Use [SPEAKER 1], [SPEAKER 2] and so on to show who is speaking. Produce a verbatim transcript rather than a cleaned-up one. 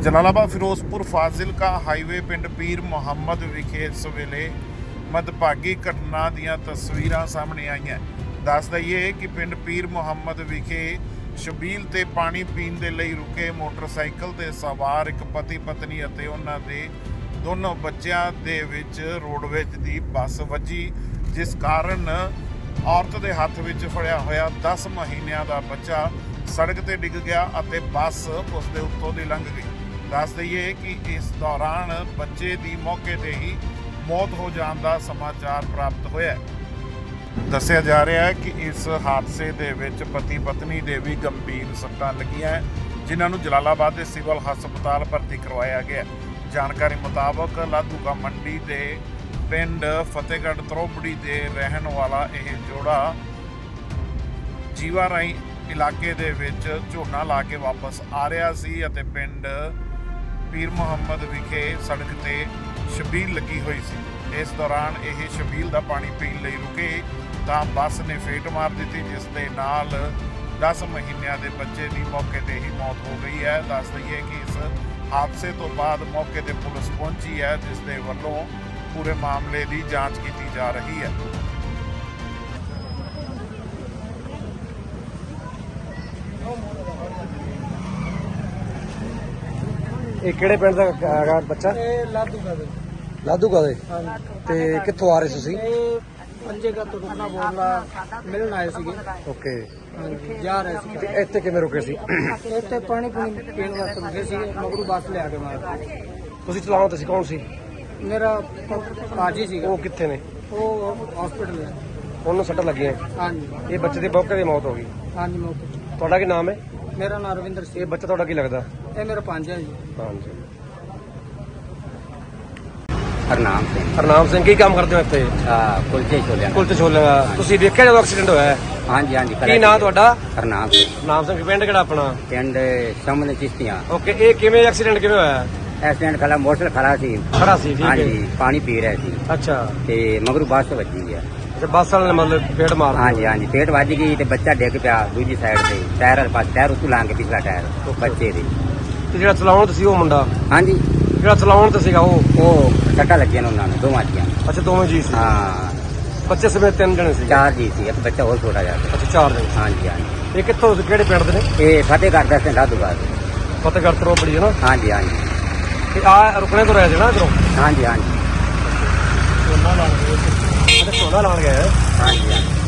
[SPEAKER 1] Jalalabad Firozpur Fazilka highway ਪਿੰਡ ਪੀਰ ਮੁਹੰਮਦ ਵਿਖੇ ਇਸ ਵੇਲੇ ਮਦਭਾਗੀ ਘਟਨਾ ਦੀਆਂ ਤਸਵੀਰਾਂ ਸਾਹਮਣੇ ਆਈਆਂ। ਦੱਸ ਦਈਏ ਕਿ ਪਿੰਡ ਪੀਰ ਮੁਹੰਮਦ ਵਿਖੇ ਸ਼ਬੀਲ ਤੇ ਪਾਣੀ ਪੀਣ ਦੇ ਲਈ ਰੁਕੇ ਮੋਟਰਸਾਈਕਲ ਤੇ ਸਵਾਰ ਇੱਕ ਪਤੀ ਪਤਨੀ ਅਤੇ ਉਹਨਾਂ ਦੇ ਦੋਨੋਂ ਬੱਚਿਆਂ ਦੇ ਵਿੱਚ ਰੋਡਵੇਜ ਦੀ ਬੱਸ ਵੱਜੀ, ਜਿਸ ਕਾਰਨ ਔਰਤ ਦੇ ਹੱਥ ਵਿੱਚ ਫੜਿਆ ਹੋਇਆ ਦਸ ਮਹੀਨਿਆਂ ਦਾ ਬੱਚਾ ਸੜਕ ਤੇ ਡਿੱਗ ਗਿਆ ਅਤੇ ਬੱਸ ਉਸ ਦੇ ਉੱਤੋਂ ਦੀ ਲੰਘ ਗਈ। ਦੱਸ ਦਈਏ ਕਿ ਇਸ ਦੌਰਾਨ ਬੱਚੇ ਦੀ ਮੌਕੇ ਤੇ ਹੀ ਮੌਤ ਹੋ ਜਾਣ ਦਾ ਸਮਾਚਾਰ ਪ੍ਰਾਪਤ ਹੋਇਆ। ਦੱਸਿਆ ਜਾ ਰਿਹਾ ਹੈ ਕਿ ਇਸ ਹਾਦਸੇ ਦੇ ਵਿੱਚ ਪਤੀ ਪਤਨੀ ਦੇ ਵੀ ਗੰਭੀਰ ਸੱਟਾਂ ਲੱਗੀਆਂ, ਜਿਨ੍ਹਾਂ ਨੂੰ ਜਲਾਲਾਬਾਦ ਦੇ ਸਿਵਲ ਹਸਪਤਾਲ ਭਰਤੀ ਕਰਵਾਇਆ ਗਿਆ। ਜਾਣਕਾਰੀ ਮੁਤਾਬਕ ਲਾਧੂਕਾ ਮੰਡੀ ਦੇ ਪਿੰਡ ਫਤਿਹਗੜ੍ਹ ਤਰੋਬੜੀ ਦੇ ਰਹਿਣ ਵਾਲਾ ਇਹ ਜੋੜਾ ਜੀਵਾ ਰਾਈ ਇਲਾਕੇ ਦੇ ਵਿੱਚ ਝੋਨਾ ਲਾ ਕੇ ਵਾਪਸ ਆ ਰਿਹਾ ਸੀ ਅਤੇ ਪਿੰਡ ਪੀਰ ਮੁਹੰਮਦ ਵਿਖੇ ਸੜਕ ਤੇ ਸ਼ਬੀਲ ਲੱਗੀ ਹੋਈ ਸੀ। ਇਸ ਦੌਰਾਨ ਇਹ ਸ਼ਬੀਲ ਦਾ ਪਾਣੀ ਪੀਣ ਲਈ ਰੁਕੇ ਤਾਂ ਬੱਸ ਨੇ ਫੇਟ ਮਾਰ ਦਿੱਤੀ, ਜਿਸ ਦੇ ਨਾਲ ਦਸ ਮਹੀਨਿਆਂ ਦੇ ਬੱਚੇ ਦੀ ਮੌਕੇ ਤੇ ਹੀ ਮੌਤ ਹੋ ਗਈ ਹੈ। ਦੱਸ ਦਈਏ ਕਿ ਇਸ ਹਾਦਸੇ ਤੋਂ ਬਾਅਦ ਮੌਕੇ ਤੇ ਪੁਲਿਸ ਪਹੁੰਚੀ ਹੈ, ਜਿਸ ਦੇ ਵੱਲੋਂ ਪੂਰੇ ਮਾਮਲੇ ਦੀ ਜਾਂਚ ਕੀਤੀ ਜਾ ਰਹੀ ਹੈ।
[SPEAKER 2] ਇਹ ਕਿਹੜੇ ਪਿੰਡ ਦਾ ਹੈਗਾ ਬੱਚਾ?
[SPEAKER 3] ਇਹ ਲਾਧੂਕਾ ਦੇ।
[SPEAKER 2] ਲਾਧੂਕਾ ਦੇ।
[SPEAKER 3] ਹਾਂਜੀ।
[SPEAKER 2] ਤੇ ਕਿੱਥੋਂ ਆ ਰਹੇ ਸੀ ਤੁਸੀਂ?
[SPEAKER 3] ਇਹ ਪੰਜੇਗਾ ਤੋਂ ਰੁਕਣਾ ਬੋਲਣਾ ਮਿਲਣ ਆਏ ਸੀਗੇ।
[SPEAKER 2] ਓਕੇ।
[SPEAKER 3] ਹਾਂਜੀ, ਜਾ ਰਹੇ ਸੀ।
[SPEAKER 2] ਤੇ ਇੱਥੇ ਕਿਵੇਂ ਰੁਕੇ ਸੀ?
[SPEAKER 3] ਇੱਥੇ ਪਾਣੀ ਪੂਣੀ ਪੀਣ ਵਾਸਤੇ ਰੁਕੇ ਸੀਗੇ, ਮਗਰੂ ਬੱਸ ਲਿਆ ਕੇ ਮਾਰਤੀ।
[SPEAKER 2] ਤੁਸੀਂ ਚਲਾਉਣ ਤੇ ਸੀ, ਕੌਣ ਸੀ?
[SPEAKER 3] ਮੇਰਾ ਭਾਜੀ ਸੀਗਾ।
[SPEAKER 2] ਉਹ ਕਿੱਥੇ ਨੇ?
[SPEAKER 3] ਉਹ ਹਸਪੀਟਲ ਹੈ।
[SPEAKER 2] ਉਹਨੂੰ ਸੱਟਾਂ ਲੱਗੀਆਂ।
[SPEAKER 3] ਹਾਂਜੀ
[SPEAKER 2] ਇਹ ਬੱਚੇ ਦੀ ਮੌਕੇ ਤੇ ਮੌਤ ਹੋ ਗਈ।
[SPEAKER 3] ਹਾਂਜੀ ਮੌਕੇ।
[SPEAKER 2] ਤੁਹਾਡਾ ਕੀ ਨਾਮ ਹੈ?
[SPEAKER 3] ਮੇਰਾ ਨਾਮ ਰਵਿੰਦਰ
[SPEAKER 2] ਇਹ
[SPEAKER 3] ਸਿੰਘ।
[SPEAKER 2] ਬੱਚਾ ਤੁਹਾਡਾ ਕੀ ਲੱਗਦਾ?
[SPEAKER 3] ਇਹ ਮੇਰਾ ਭਾਂਜਾ ਜੀ।
[SPEAKER 2] ਹਾਂਜੀ।
[SPEAKER 4] ਹਰਨਾਮ ਸਿੰਘ।
[SPEAKER 2] ਹਰਨਾਮ ਸਿੰਘ ਕੀ ਕੰਮ ਕਰਦੇ ਹੋ ਇੱਥੇ?
[SPEAKER 4] ਆ ਕੁਲਚੇ ਛੋਲਿਆਂ ਦਾ।
[SPEAKER 2] ਕੁਲਤੇ ਛੋਲੇ ਦਾ। ਤੁਸੀਂ ਦੇਖਿਆ ਜਦੋਂ ਐਕਸੀਡੈਂਟ ਹੋਇਆ ਹੈ?
[SPEAKER 4] ਹਾਂਜੀ ਹਾਂਜੀ।
[SPEAKER 2] ਕੀ ਨਾਮ ਤੁਹਾਡਾ?
[SPEAKER 4] ਹਰਨਾਮ ਸਿੰਘ।
[SPEAKER 2] ਨਾਮ ਸਿੰਘ। ਪਿੰਡ ਕਿਹੜਾ ਆਪਣਾ?
[SPEAKER 4] ਪਿੰਡ ਸਾਹਮਣੇ ਚਿਸ਼ਤੀਆਂ।
[SPEAKER 2] ਓਕੇ। ਇਹ ਕਿਵੇਂ ਐਕਸੀਡੈਂਟ ਕਿਵੇਂ ਹੋਇਆ?
[SPEAKER 4] ਐਕਸੀਡੈਂਟ ਖਲਾ ਮੋਟਰਸਾਈਕਲ ਖੜਾ ਸੀ।
[SPEAKER 2] ਖੜਾ ਸੀ, ਠੀਕ ਹੈ।
[SPEAKER 4] ਹਾਂਜੀ, ਪਾਣੀ ਪੀ ਰਿਹਾ ਸੀ
[SPEAKER 2] ਅੱਛਾ।
[SPEAKER 4] ਤੇ ਮਗਰੂ ਬੱਸ ਵੱਜੀ ਹੈ।
[SPEAKER 2] ਅੱਛਾ, ਬੱਸ ਵਾਲੇ ਨੇ ਮਤਲਬ ਫੇਟ ਮਾਰ ਦਿੱਤੀ।
[SPEAKER 4] ਹਾਂਜੀ ਹਾਂਜੀ, ਪੇਟ ਵੱਜ ਗਈ ਤੇ ਬੱਚਾ ਡਿੱਗ ਪਿਆ ਦੂਜੀ ਸਾਈਡ ਤੇ, ਟਾਇਰ ਵਾਲੇ ਪਾਸੇ, ਟਾਇਰ ਉੱਤੋਂ ਲੰਘ ਕੇ ਪਿਛਲਾ ਟਾਇਰ ਬੱਚੇ ਦੇ।
[SPEAKER 2] ਤੇ ਜਿਹੜਾ ਚਲਾਉਣ ਤੇ ਸੀ ਉਹ ਮੁੰਡਾ?
[SPEAKER 4] ਹਾਂਜੀ,
[SPEAKER 2] ਜਿਹੜਾ ਚਲਾਉਣ ਤੇ ਸੀਗਾ ਉਹ?
[SPEAKER 4] ਉਹ ਟੱਕਾ ਲੱਗਿਆ ਨੇ ਉਹਨਾਂ ਨੂੰ, ਦੋਵਾਂ ਜੀਆਂ।
[SPEAKER 2] ਅੱਛਾ, ਦੋਵੇਂ ਜੀ ਸੀ।
[SPEAKER 4] ਹਾਂ,
[SPEAKER 2] ਬੱਚੇ ਸਮੇਤ ਤਿੰਨ ਜਣੇ ਸੀ?
[SPEAKER 4] ਚਾਰ ਜੀ ਸੀ, ਇੱਕ ਬੱਚਾ ਹੋਰ ਛੋਟਾ ਜਿਹਾ ਸੀ।
[SPEAKER 2] ਅੱਛਾ, ਚਾਰ ਜਣੇ।
[SPEAKER 4] ਹਾਂਜੀ ਹਾਂਜੀ।
[SPEAKER 2] ਇਹ ਕਿੱਥੋਂ, ਕਿਹੜੇ ਪਿੰਡ ਦੇ ਨੇ?
[SPEAKER 4] ਇਹ ਫਤਿਹਗੜ੍ਹ ਦਾ ਸਿੰਘ ਲਾਧੂਕਾ।
[SPEAKER 2] ਫਤਿਹਗੜ੍ਹ ਤਰੋਬੜੀ ਹੈ ਨਾ?
[SPEAKER 4] ਹਾਂਜੀ ਹਾਂਜੀ।
[SPEAKER 2] ਤੇ ਆ ਰੁਕਣੇ ਤੋਂ ਰਹਿ ਸੀ ਨਾ ਇੱਧਰੋਂ?
[SPEAKER 4] ਹਾਂਜੀ ਹਾਂਜੀ।
[SPEAKER 2] ਝੋਨਾ ਲਾਣ ਗਏ। ਅੱਛਾ, ਝੋਨਾ ਲਾਣ ਗਏ।
[SPEAKER 4] ਹਾਂਜੀ ਹਾਂਜੀ।